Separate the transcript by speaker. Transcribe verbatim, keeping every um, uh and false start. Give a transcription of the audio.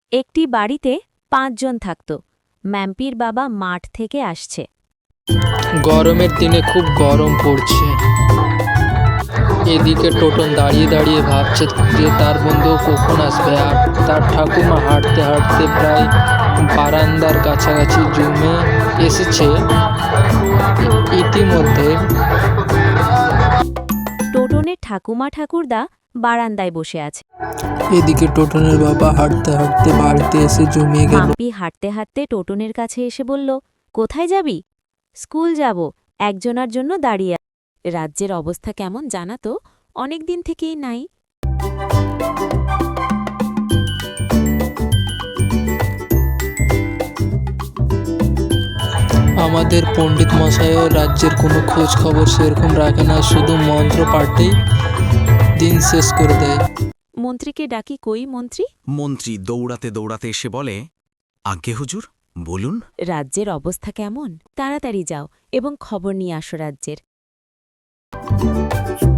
Speaker 1: একটি বাড়িতে পাঁচজন থাকত। ম্যাম্পির বাবা মাঠ থেকে আসছে।
Speaker 2: গরমের দিনে খুব গরম পড়ছে। এদিকে টোটন দাঁড়িয়ে দাঁড়িয়ে ভাবছে যে তার বন্ধু কখন আসবে, আর তার ঠাকুমা হাঁটতে হাঁটতে প্রায় বারান্দার কাছাকাছি জমে এসেছে। ইতিমধ্যে
Speaker 1: টোটনের ঠাকুমা ঠাকুরদা বারান্দায় বসে আছে।
Speaker 2: এদিকে টোটনের বাবা হাঁটতে হাঁটতে বাড়িতে এসে জমিয়ে গেল।
Speaker 1: মাম্পি হাঁটতে হাঁটতে টোটনের কাছে এসে বলল, কোথায় যাবি? স্কুল যাব, একজনার জন্য দাঁড়িয়ে। রাজ্যের অবস্থা কেমন জানা তো অনেক দিন থেকেই নাই।
Speaker 2: আমাদের পণ্ডিত মশাইও রাজ্যের কোনো খোঁজ খবর সেরকম রাখে না, শুধু মন্ত্র পাঠেই দিন শেষ করে দেয়।
Speaker 1: মন্ত্রীকে ডাকি, কই মন্ত্রী?
Speaker 3: মন্ত্রী দৌড়াতে দৌড়াতে এসে বলে, আজ্ঞে হুজুর, বলুন।
Speaker 1: রাজ্যের অবস্থা কেমন? তাড়াতাড়ি যাও এবং খবর নিয়ে আসো রাজ্যের।